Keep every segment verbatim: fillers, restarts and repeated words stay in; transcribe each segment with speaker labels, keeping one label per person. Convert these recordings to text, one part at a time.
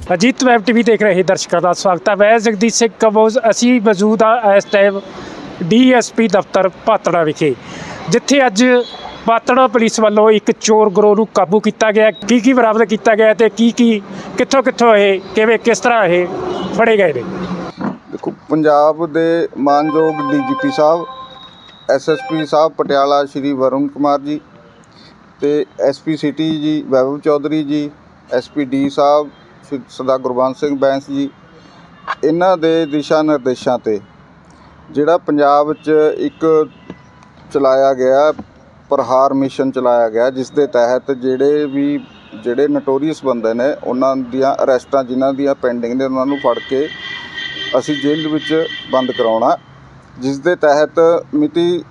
Speaker 1: Ajit web T V ਦੇਖ ਰਹੇ ਦਰਸ਼ਕਾਂ ਦਾ ਸਵਾਗਤ ਹੈ। ਮੈਂ ਜਗਦੀਸ਼ ਸਿੰਘ ਕੰਬੋਜ। ਅਸੀਂ ਮੌਜੂਦ ਹਾਂ ਇਸ ਟਾਈਮ ਡੀ ਐਸ ਪੀ ਦਫ਼ਤਰ ਪਾਤੜਾ ਵਿਖੇ, ਜਿੱਥੇ ਅੱਜ ਪਾਤੜਾ ਪੁਲਿਸ ਵੱਲੋਂ ਇੱਕ ਚੋਰ ਗਰੋਹ ਨੂੰ ਕਾਬੂ ਕੀਤਾ ਗਿਆ। ਕੀ ਕੀ ਬਰਾਮਦ ਕੀਤਾ ਗਿਆ ਤੇ ਕੀ ਕੀ ਕਿੱਥੋਂ ਕਿੱਥੋਂ ਇਹ ਕਿਵੇਂ ਕਿਸ ਤਰ੍ਹਾਂ ਇਹ ਫੜੇ ਗਏ ਨੇ।
Speaker 2: ਦੇਖੋ, ਪੰਜਾਬ ਦੇ ਮਾਨਯੋਗ D G P Sahib, S S P Sahib Patiala Shri Varun Kumar ji ਤੇ S P city ji Vaibhav Chaudhary ji, S P D Sahib Sardar Gurbans Singh Bains ji, ਇਹਨਾਂ ਦੇ ਦਿਸ਼ਾ ਨਿਰਦੇਸ਼ਾਂ 'ਤੇ ਜਿਹੜਾ ਪੰਜਾਬ 'ਚ ਇੱਕ ਚਲਾਇਆ ਗਿਆ ਪ੍ਰਹਾਰ ਮਿਸ਼ਨ ਚਲਾਇਆ ਗਿਆ, ਜਿਸ ਦੇ ਤਹਿਤ ਜਿਹੜੇ ਵੀ ਜਿਹੜੇ ਨਟੋਰੀਅਸ ਬੰਦੇ ਨੇ ਉਹਨਾਂ ਦੀਆਂ ਅਰੈਸਟਾਂ ਜਿਨ੍ਹਾਂ ਦੀਆਂ ਪੈਂਡਿੰਗ ਨੇ ਉਹਨਾਂ ਨੂੰ ਫੜ ਕੇ ਅਸੀਂ ਜੇਲ੍ਹ ਵਿੱਚ ਬੰਦ ਕਰਾਉਣਾ, ਜਿਸ ਦੇ ਤਹਿਤ ਮਿਤੀ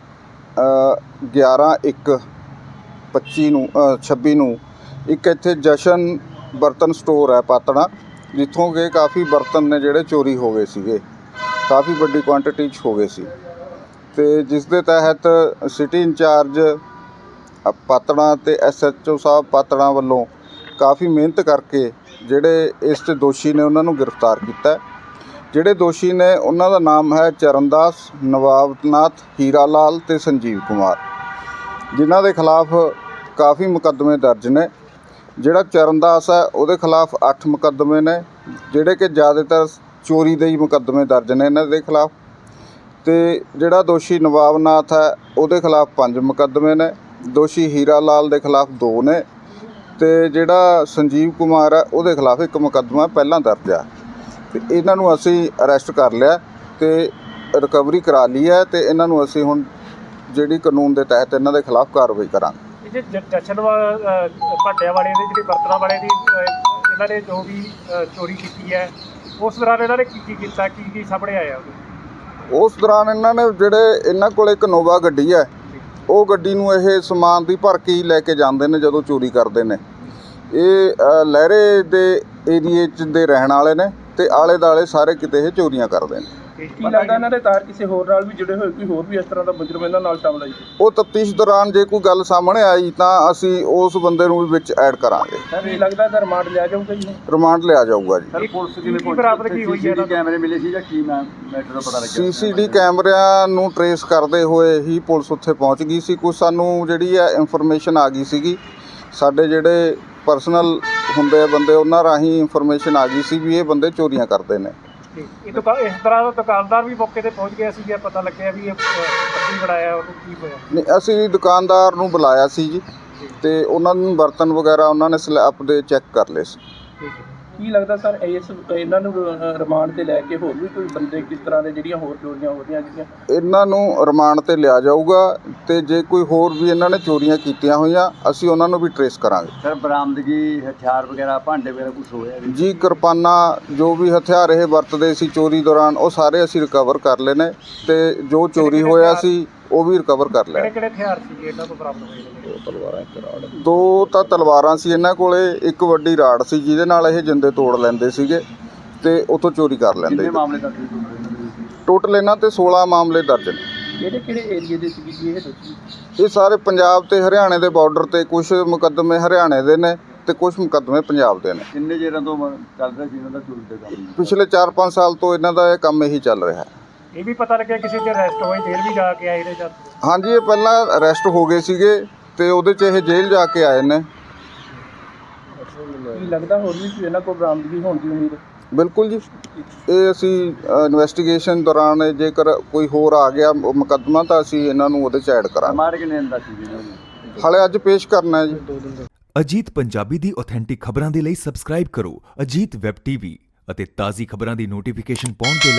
Speaker 2: ਗਿਆਰਾਂ ਇੱਕ ਪੱਚੀ ਨੂੰ ਛੱਬੀ ਨੂੰ ਇੱਕ ਇੱਥੇ ਜਸ਼ਨ ਬਰਤਨ ਸਟੋਰ ਹੈ ਪਾਤੜਾ, ਜਿੱਥੋਂ ਕਿ ਕਾਫੀ ਬਰਤਨ ਨੇ ਜਿਹੜੇ ਚੋਰੀ ਹੋ ਗਏ ਸੀਗੇ, ਕਾਫੀ ਵੱਡੀ ਕੁਆਂਟੀਟੀ 'ਚ ਹੋ ਗਏ ਸੀ। ਅਤੇ ਜਿਸ ਦੇ ਤਹਿਤ ਸਿਟੀ ਇੰਚਾਰਜ ਪਾਤੜਾ ਅਤੇ S H O Sahib Patran ਵੱਲੋਂ ਕਾਫੀ ਮਿਹਨਤ ਕਰਕੇ ਜਿਹੜੇ ਇਸ 'ਚ ਦੋਸ਼ੀ ਨੇ ਉਹਨਾਂ ਨੂੰ ਗ੍ਰਿਫਤਾਰ ਕੀਤਾ। ਜਿਹੜੇ ਦੋਸ਼ੀ ਨੇ ਉਹਨਾਂ ਦਾ ਨਾਮ ਹੈ ਚਰਨਦਾਸ, ਨਵਾਬਨਾਥ, ਹੀਰਾ ਲਾਲ ਅਤੇ ਸੰਜੀਵ ਕੁਮਾਰ, ਜਿਨ੍ਹਾਂ ਦੇ ਖਿਲਾਫ ਕਾਫੀ ਮੁਕੱਦਮੇ ਦਰਜ ਨੇ। ਜਿਹੜਾ ਚਰਨਦਾਸ ਹੈ ਉਹਦੇ ਖਿਲਾਫ ਅੱਠ ਮੁਕੱਦਮੇ ਨੇ, ਜਿਹੜੇ ਕਿ ਜ਼ਿਆਦਾਤਰ ਚੋਰੀ ਦੇ ਹੀ ਮੁਕੱਦਮੇ ਦਰਜ ਨੇ ਇਹਨਾਂ ਦੇ ਖਿਲਾਫ। ਅਤੇ ਜਿਹੜਾ ਦੋਸ਼ੀ ਨਵਾਬਨਾਥ ਹੈ ਉਹਦੇ ਖਿਲਾਫ ਪੰਜ ਮੁਕੱਦਮੇ ਨੇ, ਦੋਸ਼ੀ ਹੀਰਾ ਲਾਲ ਦੇ ਖਿਲਾਫ ਦੋ ਨੇ, ਅਤੇ ਜਿਹੜਾ ਸੰਜੀਵ ਕੁਮਾਰ ਹੈ ਉਹਦੇ ਖਿਲਾਫ ਇੱਕ ਮੁਕੱਦਮਾ ਪਹਿਲਾਂ ਦਰਜ ਹੈ। ਅਤੇ ਇਹਨਾਂ ਨੂੰ ਅਸੀਂ ਅਰੈਸਟ ਕਰ ਲਿਆ ਅਤੇ ਰਿਕਵਰੀ ਕਰਾ ਲਈ ਹੈ, ਅਤੇ ਇਹਨਾਂ ਨੂੰ ਅਸੀਂ ਹੁਣ ਜਿਹੜੀ ਕਾਨੂੰਨ ਦੇ ਤਹਿਤ ਇਹਨਾਂ ਦੇ ਖਿਲਾਫ ਕਾਰਵਾਈ ਕਰਾਂਗੇ।
Speaker 1: ਜਸ਼ਨ ਭਾਟਿਆਂ ਵਾਲੇ ਦੀ ਜਿਹੜੀ ਬਰਤਨਾਂ ਵਾਲੇ ਦੀ ਇਹਨਾਂ ਨੇ ਜੋ ਵੀ ਚੋਰੀ ਕੀਤੀ ਹੈ, ਉਸ ਦੌਰਾਨ ਇਹਨਾਂ ਨੇ ਕੀ ਕੀ ਕੀਤਾ, ਕੀ ਕੀ ਸਾਹਮਣੇ ਆਇਆ ਉਹਦੇ?
Speaker 2: ਉਸ ਦੌਰਾਨ ਇਹਨਾਂ ਨੇ ਜਿਹੜੇ ਇਹਨਾਂ ਕੋਲ ਇੱਕ ਨੋਵਾ ਗੱਡੀ ਹੈ, ਉਹ ਗੱਡੀ ਨੂੰ ਇਹ ਸਮਾਨ ਦੀ ਭਰ ਕੇ ਹੀ ਲੈ ਕੇ ਜਾਂਦੇ ਨੇ ਜਦੋਂ ਚੋਰੀ ਕਰਦੇ ਨੇ। ਇਹ ਲਹਿਰੇ ਦੇ ਏਰੀਏ 'ਚ ਦੇ ਰਹਿਣ ਵਾਲੇ ਨੇ ਅਤੇ ਆਲੇ ਦੁਆਲੇ ਸਾਰੇ ਕਿਤੇ ਇਹ ਚੋਰੀਆਂ ਕਰਦੇ ਨੇ।
Speaker 3: ਕੀ ਲੱਗਦਾ ਇਹਨਾਂ ਦੇ ਤਾਰ ਕਿਸੇ ਹੋਰ ਨਾਲ ਵੀ ਜੁੜੇ ਹੋਏ, ਕੋਈ ਹੋਰ ਵੀ ਇਸ ਤਰ੍ਹਾਂ ਦਾ ਮੁਜਰਮ ਇਹਨਾਂ ਨਾਲ ਸ਼ਾਮਲ ਹੈ?
Speaker 2: ਉਹ ਤਫਤੀਸ਼ ਦੌਰਾਨ ਜੇ ਕੋਈ ਗੱਲ ਸਾਹਮਣੇ ਆਈ ਤਾਂ ਅਸੀਂ ਉਸ ਬੰਦੇ ਨੂੰ ਵੀ ਵਿੱਚ ਐਡ ਕਰਾਂਗੇ।
Speaker 3: ਸਰ ਇਹ ਲੱਗਦਾ ਤਾਂ ਰਿਮਾਂਡ ਲਿਆ ਜਾਊਗਾ ਜੀ?
Speaker 2: ਰਿਮਾਂਡ ਲਿਆ ਜਾਊਗਾ ਜੀ।
Speaker 1: ਸਰ ਪੁਲਿਸ ਕਿਵੇਂ ਬਰਾਬਰ ਕੀ ਹੋਈ ਹੈ?
Speaker 3: ਕੈਮਰੇ ਮਿਲੇ ਸੀ ਜਾਂ ਕੀ ਮੈਟਰ ਦਾ ਪਤਾ ਲੱਗਿਆ?
Speaker 2: ਸੀ ਸੀ ਡੀ ਕੈਮਰਿਆਂ ਨੂੰ ਟਰੇਸ ਕਰਦੇ ਹੋਏ ਹੀ ਪੁਲਿਸ ਉੱਥੇ ਪਹੁੰਚ ਗਈ ਸੀ। ਕੁਛ ਸਾਨੂੰ ਜਿਹੜੀ ਹੈ ਇਨਫੋਰਮੇਸ਼ਨ ਆ ਗਈ ਸੀਗੀ, ਸਾਡੇ ਜਿਹੜੇ ਪਰਸਨਲ ਹੁੰਦੇ ਆ ਬੰਦੇ, ਉਹਨਾਂ ਰਾਹੀਂ ਇਨਫੋਰਮੇਸ਼ਨ ਆ ਗਈ ਸੀ ਵੀ ਇਹ ਬੰਦੇ ਚੋਰੀਆਂ ਕਰਦੇ ਨੇ।
Speaker 1: ਇਹ ਦੁਕਾ ਇਸ ਤਰ੍ਹਾਂ ਦਾ ਦੁਕਾਨਦਾਰ ਵੀ ਮੌਕੇ 'ਤੇ ਪਹੁੰਚ ਗਿਆ ਸੀ, ਪਤਾ ਲੱਗਿਆ ਵੀ ਇਹ ਪੱਟੀ ਬਣਾਇਆ, ਉਹਨੂੰ ਕੀ ਹੋਇਆ? ਨਹੀਂ,
Speaker 2: ਅਸੀਂ ਦੁਕਾਨਦਾਰ ਨੂੰ ਬੁਲਾਇਆ ਸੀ ਜੀ, ਅਤੇ ਉਹਨਾਂ ਨੂੰ ਬਰਤਨ ਵਗੈਰਾ ਉਹਨਾਂ ਨੇ ਸਲੈਬ ਦੇ ਚੈੱਕ ਕਰ ਲਏ ਸੀ।
Speaker 3: ਕੀ ਲੱਗਦਾ ਸਰ ਇਸ ਇਹਨਾਂ ਨੂੰ ਰਿਮਾਂਡ 'ਤੇ ਲੈ ਕੇ ਹੋਰ ਵੀ ਕੋਈ ਬੰਦੇ ਕਿਸ ਤਰ੍ਹਾਂ ਦੇ ਜਿਹੜੀਆਂ ਹੋਰ ਚੋਰੀਆਂ ਹੋ ਰਹੀਆਂ ਜਿਹੜੀਆਂ
Speaker 2: ਇਹਨਾਂ ਨੂੰ ਰਿਮਾਂਡ 'ਤੇ ਲਿਆ ਜਾਊਗਾ, ਅਤੇ ਜੇ ਕੋਈ ਹੋਰ ਵੀ ਇਹਨਾਂ ਨੇ ਚੋਰੀਆਂ ਕੀਤੀਆਂ ਹੋਈਆਂ ਅਸੀਂ ਉਹਨਾਂ ਨੂੰ ਵੀ ਟਰੇਸ ਕਰਾਂਗੇ।
Speaker 3: ਸਰ ਬਰਾਮਦਗੀ ਹਥਿਆਰ ਵਗੈਰਾ, ਭਾਂਡੇ ਵਗੈਰਾ ਕੁਛ ਹੋਇਆ
Speaker 2: ਜੀ? ਕਿਰਪਾਨਾਂ, ਜੋ ਵੀ ਹਥਿਆਰ ਇਹ ਵਰਤਦੇ ਸੀ ਚੋਰੀ ਦੌਰਾਨ, ਉਹ ਸਾਰੇ ਅਸੀਂ ਰਿਕਵਰ ਕਰ ਲਏ ਨੇ, ਅਤੇ ਜੋ ਚੋਰੀ ਹੋਇਆ ਸੀ ਉਹ ਵੀ ਰਿਕਵਰ ਕਰ ਲਿਆ।
Speaker 1: ਕਿਹੜੇ ਕਿਹੜੇ ਹਥਿਆਰ ਸੀ ਇਹਨਾਂ ਤੋਂ ਬਰਾਮਦ ਹੋਏ?
Speaker 2: ਦੋ ਤਲਵਾਰਾਂ, ਇੱਕ ਰਾੜ। ਦੋ ਤਾਂ ਤਲਵਾਰਾਂ ਸੀ ਇਹਨਾਂ ਕੋਲੇ, ਇੱਕ ਵੱਡੀ ਰਾੜ ਸੀ ਜਿਹਦੇ ਨਾਲ ਇਹ ਜਿੰਦੇ ਤੋੜ ਲੈਂਦੇ ਸੀਗੇ ਅਤੇ ਉੱਥੋਂ ਚੋਰੀ ਕਰ ਲੈਂਦੇ।
Speaker 3: ਮਾਮਲੇ ਦਰਜ
Speaker 2: ਟੋਟਲ ਇਹਨਾਂ 'ਤੇ ਸੋਲ੍ਹਾਂ ਮਾਮਲੇ ਦਰਜ ਨੇ।
Speaker 3: ਕਿਹੜੇ ਕਿਹੜੇ ਏਰੀਏ ਦੇ ਸੀ ਜੀ ਇਹ?
Speaker 2: ਇਹ ਸਾਰੇ ਪੰਜਾਬ ਤੇ ਹਰਿਆਣੇ ਦੇ ਬਾਰਡਰ 'ਤੇ, ਕੁਛ ਮੁਕੱਦਮੇ ਹਰਿਆਣੇ ਦੇ ਨੇ ਅਤੇ ਕੁਛ ਮੁਕੱਦਮੇ ਪੰਜਾਬ ਦੇ ਨੇ।
Speaker 3: ਕਿੰਨੇ ਚਿਰਾਂ ਤੋਂ ਚੱਲ ਰਿਹਾ ਸੀ ਇਹਨਾਂ ਦਾ ਚੋਰੀ ਦਾ ਕੰਮ?
Speaker 2: ਪਿਛਲੇ ਚਾਰ ਪੰਜ ਸਾਲ ਤੋਂ ਇਹਨਾਂ ਦਾ ਇਹ ਕੰਮ ਇਹੀ ਚੱਲ ਰਿਹਾ ਹੈ।
Speaker 1: ਇਹ ਵੀ ਪਤਾ ਲੱਗਿਆ ਕਿਸੇ 'ਚ ਅਰੈਸਟ ਹੋਏ, ਜੇਲ੍ਹ ਵੀ ਜਾ ਕੇ ਆਏ ਨੇ?
Speaker 2: ਹਾਂਜੀ, ਇਹ ਪਹਿਲਾਂ ਅਰੈਸਟ ਹੋ ਗਏ ਸੀਗੇ ਅਤੇ ਉਹਦੇ 'ਚ ਇਹ ਜੇਲ੍ਹ ਜਾ ਕੇ ਆਏ ਨੇ।
Speaker 3: ਕੀ ਲੱਗਦਾ ਹੋਰ ਵੀ ਇਹਨਾਂ ਕੋਲ ਬਰਾਮਦਗੀ ਹੋਣ ਦੀ ਉਮੀਦ? ਬਿਲਕੁਲ ਜੀ,
Speaker 2: ਇਹ ਅਸੀਂ ਇਨਵੈਸਟੀਗੇਸ਼ਨ ਦੌਰਾਨ ਜੇਕਰ ਕੋਈ ਹੋਰ ਆ ਗਿਆ ਮੁਕੱਦਮਾ ਤਾਂ ਅਸੀਂ ਇਹਨਾਂ ਨੂੰ ਉਹਦੇ 'ਚ ਐਡ ਕਰਾਂਗੇ। ਹਾਲੇ ਅੱਜ ਪੇਸ਼ ਕਰਨਾ ਹੈ ਜੀ।
Speaker 4: ਅਜੀਤ ਪੰਜਾਬੀ ਦੀ ਆਥੈਂਟਿਕ ਖਬਰਾਂ ਦੇ ਲਈ ਸਬਸਕ੍ਰਾਈਬ ਕਰੋ ਅਜੀਤ ਵੈਬ ਟੀਵੀ ਅਤੇ ਤਾਜ਼ੀ ਖਬਰਾਂ ਦੀ ਨੋਟੀਫਿਕੇਸ਼ਨ ਪਾਉਣ ਦੇ ਲਈ